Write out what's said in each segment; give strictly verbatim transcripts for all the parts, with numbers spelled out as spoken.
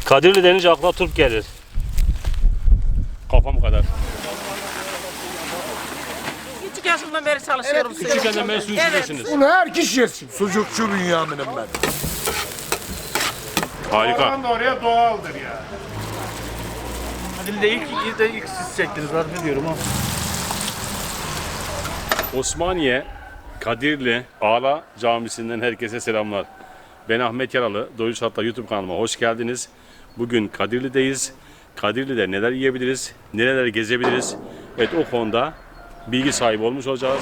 Kadirli denince akla turp gelir. Kafam kadar. Küçük yaşımdan beri çalışıyorum. Evet, küçükken beri su içiyorsunuz. Bunu her kişi yesin. Sucukçu Bünyamin'im ben. Harika. Oradan da oraya doğaldır ya. Dilde ilk ilk de ilk siz çektiniz harf ediyorum ama. Osmaniye, Kadirli, Ağla Camisi'nden herkese selamlar. Ben Ahmet Yaralı, Doyuş Hatta YouTube kanalıma hoş geldiniz. Bugün Kadirli'deyiz. Kadirli'de neler yiyebiliriz, nereler gezebiliriz? Evet, o konuda bilgi sahibi olmuş olacağız.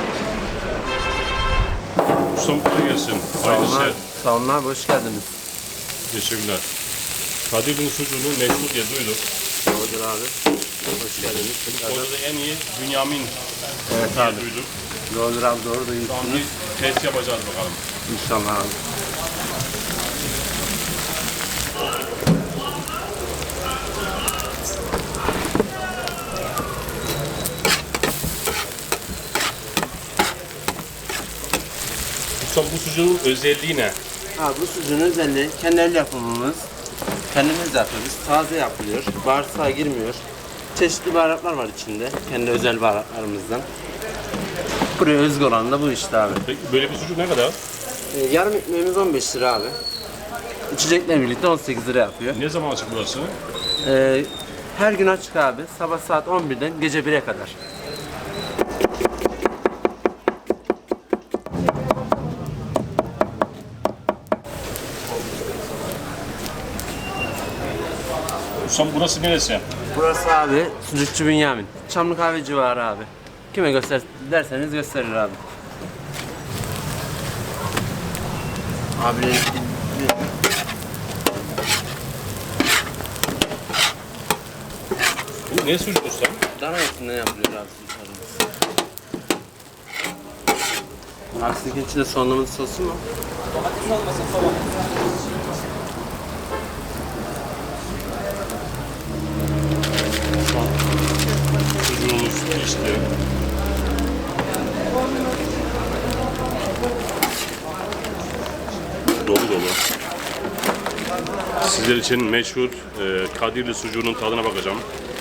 Ustam kolay gelsin. Hayırlı işler. Sağ olun abi, hoş geldiniz. Teşekkürler. Kadirli'nin sucuğunu meşhur diye duyduk. Doğrudur abi. Hoş geldiniz. Orada da en iyi Bünyamin Evet diye abi. duyduk. Doğrudur abi, doğru Şu an duymuşsunuz. bir test yapacağız bakalım. İnşallah abi. Ustam bu sucuğun özelliği ne? Abi bu sucuğun özelliği kendi el yapımımız. Kendimiz yapıyoruz. Taze yapılıyor. Bağırsağa girmiyor. Çeşitli baharatlar var içinde. Kendi özel baharatlarımızdan. Buraya özgü olan da bu işte abi. Peki böyle bir sucuk ne kadar? Ee, yarım ekmeğimiz on beş lira abi. İçecekle birlikte on sekiz lira yapıyor. Ne zaman açık burası? Ee, her gün açık abi. Sabah saat on birden gece bire kadar. Ustam burası neresi? Burası abi Sucukçu Bünyamin. Çamlı Kahve civarı abi. Kime göster derseniz gösterir abi. Abi Bu ne sucuk ustam? dana etinden yapılıyor abi sucuklarımız. Abi sizinkin içinde soğanlı sosu mu? Sucuğumuz pişti. Dolu dolu. Sizler için meşhur e, Kadirli sucuğunun tadına bakacağım.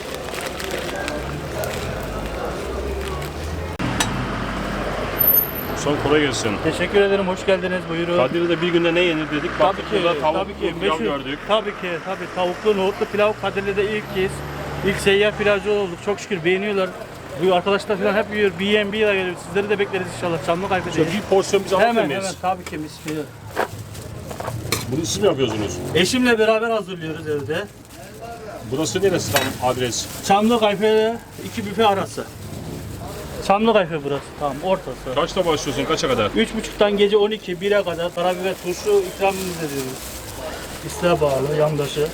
Son kolay gelsin. Teşekkür ederim, hoş geldiniz, buyurun. Kadirli'de bir günde ne yenir dedik. Baktık Tabii ki, burada tavuklu tabii ki. pilav Meşhur, gördük. tabii ki, tabii. Tavuklu, nohutlu pilav Kadirli'de ilk kez. İlk seyyar pilavcı olduk, çok şükür beğeniyorlar. Bu arkadaşlar falan hep yiyor, B and B'ye geliyor. Sizleri de bekleriz inşallah, Çamlı Kayfı'da. Şöyle bir porsiyon biz alabilir Hemen miyiz? hemen, tabii ki mis gibi. Bunu siz mi yapıyorsunuz? Eşimle beraber hazırlıyoruz evde. Burası neresi tam adres? Çamlı Kayfı'da iki büfe arası. Çamlı Kayfı burası, tamam, ortası. Kaçta başlıyorsun, kaça kadar? Üç buçuktan gece on iki, bire kadar karabiber turşu ikramımız ediyoruz. İsteğe bağlı, yandaşı.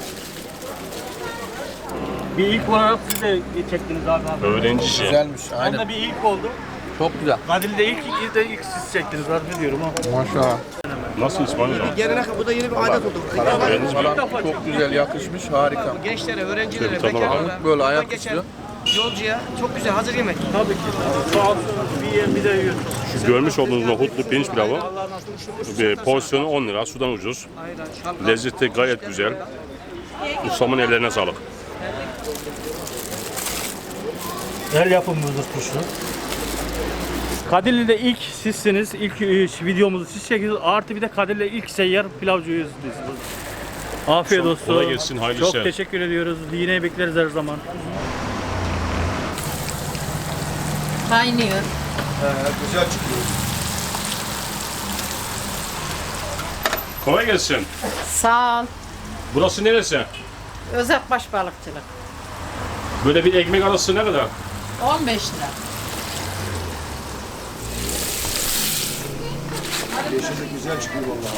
Bir ilk olarak siz de çektiniz abi. abi. Öğrenci işi. Güzelmiş. Onda bir ilk oldu. Çok güzel. Kadirli'de ilk, ilk de ilk siz çektiniz, harf ediyorum ama. Maşallah. Nasıl İspanyolca? Gelenek bu da yeni bir adet oldu. Öğrenci mi? Çok güzel yakışmış. Harika. Gençlere, öğrencilere, Şöyle tadına bekarlara, bakalım. Böyle ayak geçen üstü. yolcuya çok güzel hazır yemek. Tabii ki. Sağ olsun, bir yer bir de yiyoruz. Şu görmüş olduğunuz nohutlu pirinç pilavı bir porsiyonu on lira, sudan ucuz. Ayran, şalgam. Lezzeti gayet güzel. Ustamın ellerine sağlık. El yapımımızdır turşu. Kadirli'de ilk sizsiniz, ilk e, videomuzu siz çektiniz. Artı bir de Kadirli'de ilk seyyar pilavcıyız biz. Afiyet olsun. Kolay gelsin, hayırlı Çok işler. teşekkür ediyoruz. Yine bekleriz her zaman. Kaynıyor. Güzel çıkıyor. Kolay gelsin. Sağ ol. Burası neresi? Özakbaş balıkçılık. Böyle bir ekmek arası ne kadar? on beş lira. Yeşillik güzel çıkıyor vallahi.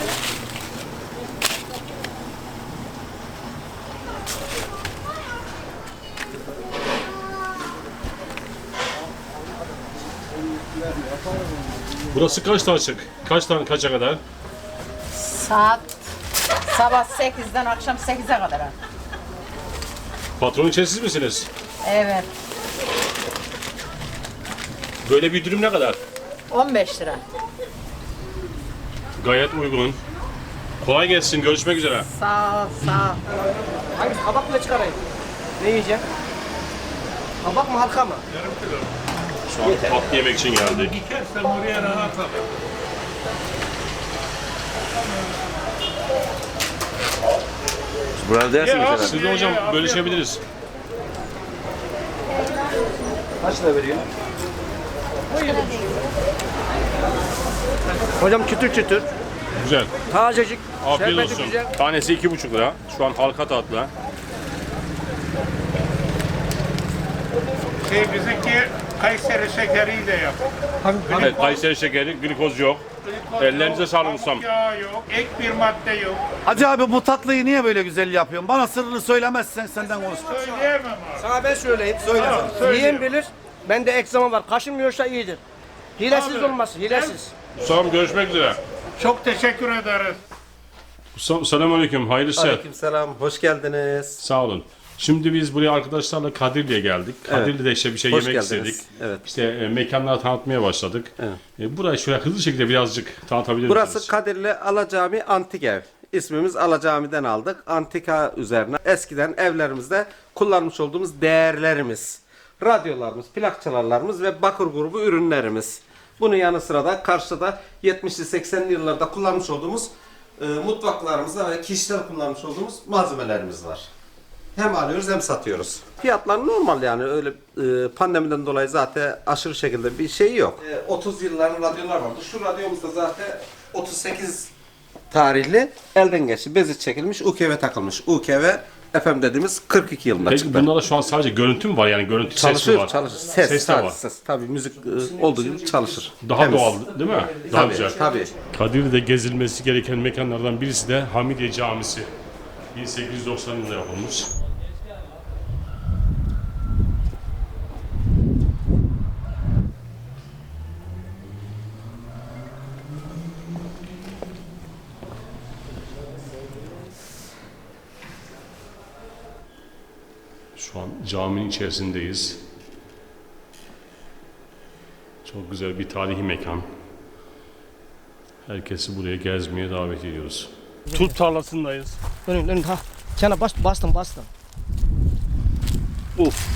Burası kaçta açık? Kaçtan kaça kadar? Saat sabah sekizden akşam sekize kadar. Patronun siz misiniz? Evet. Böyle bir dürüm ne kadar? on beş lira. Gayet uygun. Kolay gelsin. Görüşmek üzere. Sağ ol, sağ ol. Hangisi? Kabak mı çıkarayım? Ne yiyeceğim? Kabak mı halka mı? Şu an tatlı yemek için geldik. Burada dersin mesela. Siz de hocam bölüşebiliriz. Kaç lira veriyor? Hocam çıtır çıtır. Güzel. Tazecik. Afiyet şerbeti olsun. güzel. Tanesi iki buçuk lira. Şu an halka tatlı. Şey bizimki Kayseri şekeriyle yap. Evet, Kayseri şekeri, glikoz yok. Ellerinize sağlık ustam. Yağ yok, ek bir madde yok. Hacı abi bu tatlıyı niye böyle güzel yapıyorsun? Bana sırrını söylemezsen senden konuş. Söyleyemem abi. Sana ben söyleyeyim. Söyle. Yiyen bilir. Bende egzama var. Kaşınmıyorsa iyidir. Hilesiz olmaz. Hilesiz. Ustam görüşmek üzere. Çok teşekkür ederiz. Ustam selamünaleyküm. Hayırlı işler. Aleykümselam. Hoş geldiniz. Sağ olun. Şimdi biz buraya arkadaşlarla Kadirli'ye geldik. Kadirli'de işte bir şey Hoş yemek geldiniz. istedik. Evet. İşte e, mekanları tanıtmaya başladık. Evet. E, burayı şöyle hızlı şekilde birazcık tanıtabilir Burası misiniz? Kadirli Alacami Antik Ev. İsmimiz Alacami'den aldık. Antika üzerine. Eskiden evlerimizde kullanmış olduğumuz değerlerimiz. Radyolarımız, plak çalarlarımız ve bakır grubu ürünlerimiz. Bunun yanı sıra da karşıda yetmişli seksenli yıllarda kullanmış olduğumuz e, mutfaklarımızda ve kişisel kullanmış olduğumuz malzemelerimiz var. Hem alıyoruz hem satıyoruz. Fiyatlar normal yani öyle e, pandemiden dolayı zaten aşırı şekilde bir şey yok. E, otuz yılların radyolar vardı. Şu radyomuzda zaten otuz sekiz tarihli elden geçti. Bezi çekilmiş, U K V takılmış. U K V F M dediğimiz kırk iki yılında Peki çıktı. bunlarda şu an sadece görüntü mü var yani görüntü ses mi Çalışır, var? çalışır. Ses, Ses de sadece var. ses. Tabii müzik e, olduğu gibi çalışır. Daha Temiz. doğal değil mi? Daha Tabii, güzel. tabii. Kadirli'de gezilmesi gereken mekanlardan birisi de Hamidiye Camisi. bin sekiz yüz doksan yılında yapılmış. Şu an caminin içerisindeyiz. Çok güzel bir tarihi mekan. Herkesi buraya gezmeye davet ediyoruz. Turp tarlasındayız. Dönün dönün ha. Sana bas, bastım bastım. Uf.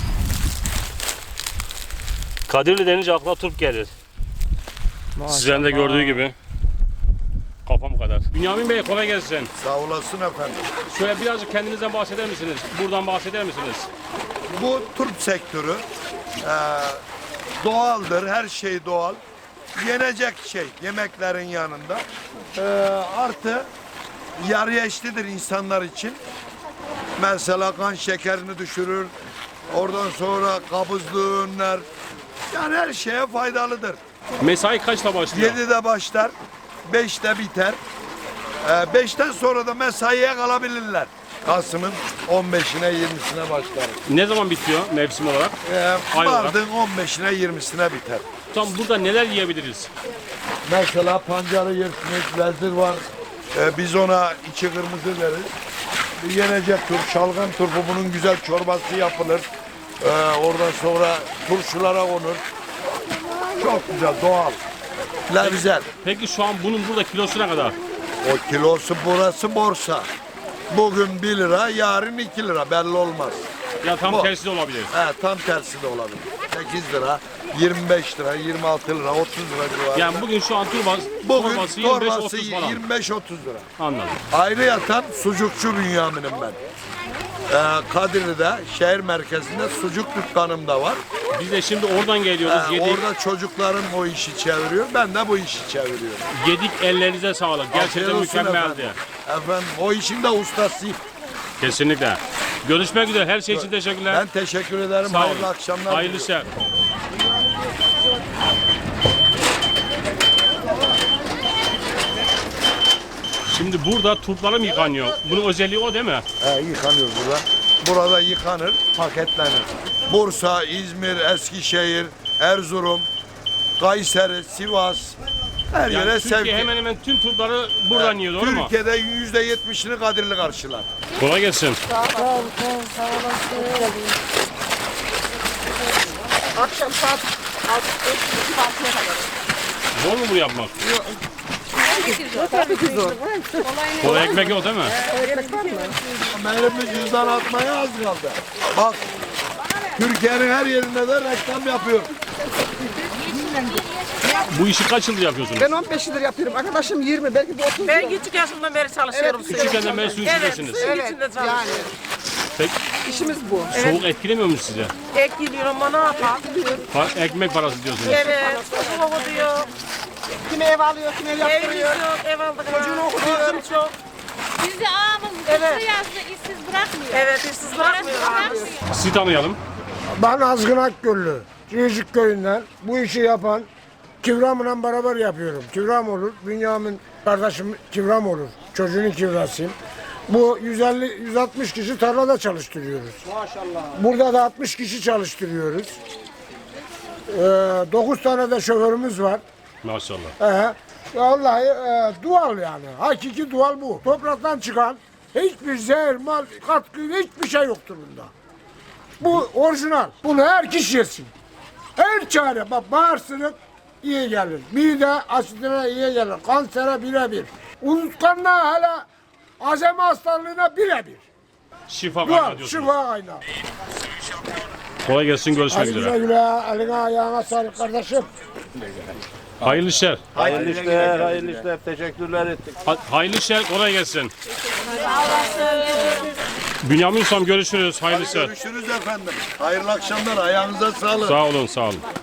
Kadirli denince akla turp gelir. Sizlerin de gördüğü gibi. Kafam kadar. Bünyamin Bey kolay gelsin. Sağ olasın efendim. Şöyle birazcık kendinizden bahseder misiniz? Buradan bahseder misiniz? Bu turp sektörü e, doğaldır. Her şey doğal. Yenecek şey yemeklerin yanında. E, artı yarı eşlidir insanlar için. Mesela kan şekerini düşürür. Oradan sonra kabızlığı önler. Yani her şeye faydalıdır. Mesai kaçta başlıyor? yedide başlar, beşte biter. Ee, beşten sonra da mesaiye kalabilirler. Kasım'ın on beşine yirmisine başlar. Ne zaman bitiyor mevsim olarak? Ee, Ay olarak. Mardin on beşine yirmisine biter. Tam burada neler yiyebiliriz? Mesela pancarı yersiniz, vezir var. Ee, biz ona içi kırmızı deriz. Bir yenecek turp, şalgam turpu, bunun güzel çorbası yapılır. Ee, oradan sonra turşulara konur. Çok güzel, doğal. Güzel. Peki şu an bunun burada kilosu ne kadar? O kilosu burası borsa. Bugün bir lira, yarın iki lira, belli olmaz. Ya tam Bu. tersi de olabilir. He, tam tersi de olabilir. sekiz lira, yirmi beş lira, yirmi altı lira, otuz lira civarı. Yani bugün şu an turbas, Bugün torbası yirmi beş torbası otuz falan. yirmi beş otuz lira. Anladım. Ayrı yatan sucukçu Bünyamin'im ben. Ee, Kadirli'de, şehir merkezinde sucuk dükkanım da var. Biz de şimdi oradan geliyoruz. Ee, yedik, orada çocuklarım o işi çeviriyor, ben de bu işi çeviriyorum. yedik ellerinize sağlık. Afiyet Gerçekten olsun mükemmeldi. Efendim. efendim, o işin de ustasıyım. Kesinlikle. Görüşmek üzere. Her şey için teşekkürler. Ben teşekkür ederim. Sağ olun. Hayırlı akşamlar. Hayırlı diliyorum. işler. Şimdi burada turplara mı yıkanıyor? Bunun özelliği o değil mi? He, yıkanıyor burada. Burada yıkanır, paketlenir. Bursa, İzmir, Eskişehir, Erzurum, Kayseri, Sivas, her Yani yere Türkiye sevki. hemen hemen tüm turpları buradan yiyor, doğru mu? Türkiye'de yüzde yetmişini Kadirli karşılar. Kolay gelsin. Akşam saat altı beş altıya kadar. Zor mu bunu yapmak? Kola ekmek yok değil mi? Benim cüzdan atmaya az kaldı. Bak, Türkiye'nin her yerinde de reklam yapıyor. Bu işi kaç yıldır yapıyorsunuz? Ben on beş yıldır yapıyorum. Arkadaşım yirmi, belki de otuz. Ben küçük yaşımdan beri çalışıyorum. Evet, Küçükken beri su içindesiniz. Evet, suyun içinde çalışıyorum. Peki İşimiz bu. soğuk etkilemiyor mu size? Ek geliyor ama ne yapalım? Pa- ekmek parası diyorsunuz. Evet, çocuğu okutuyor. Kimi ev alıyor, kimi ev yaptırıyor. Evimiz yok, ev aldık. Çocuğunu okutuyor. çok. Bizi ağamız Evet. evet. yazdı işsiz bırakmıyor. Evet, işsiz bırakmıyor. Bırakmıyor. Sizi tanıyalım. Ben Azgın Akgöllü, Cicik köyünden bu işi yapan Kivram'la beraber yapıyorum. Kivram olur, Bünyamin kardeşim Kivram olur. Çocuğun kivrasıyım. Bu yüz elli yüz altmış kişi tarlada çalıştırıyoruz. Maşallah. Burada da altmış kişi çalıştırıyoruz. Ee, dokuz tane de şoförümüz var. Maşallah. Ee, vallahi e, doğal yani. Hakiki doğal bu. Topraktan çıkan hiçbir zehir, mal, katkı, hiçbir şey yoktur bunda. Bu orijinal. Bunu her kişi yesin. Her çare. Bak bağırsınık iyi gelir. Mide asitine iyi gelir. Kansere birebir. Unutkanlığa hele azemi hastalığına birebir. Şifa Doğal, kaynağı diyorsunuz. şifa kaynağı. Kolay gelsin, görüşmek Hadi güle üzere. güle. Eline ayağına sağlık kardeşim. Hayırlı işler. Hayırlı işler, hayırlı işler. Teşekkürler ettik. Ha- Hayırlı işler, kolay gelsin. Bünyamin Ustam görüşürüz. Hayırlı işler. Görüşürüz efendim. Hayırlı akşamlar. Ayağınıza sağlık. Sağ olun, sağ olun.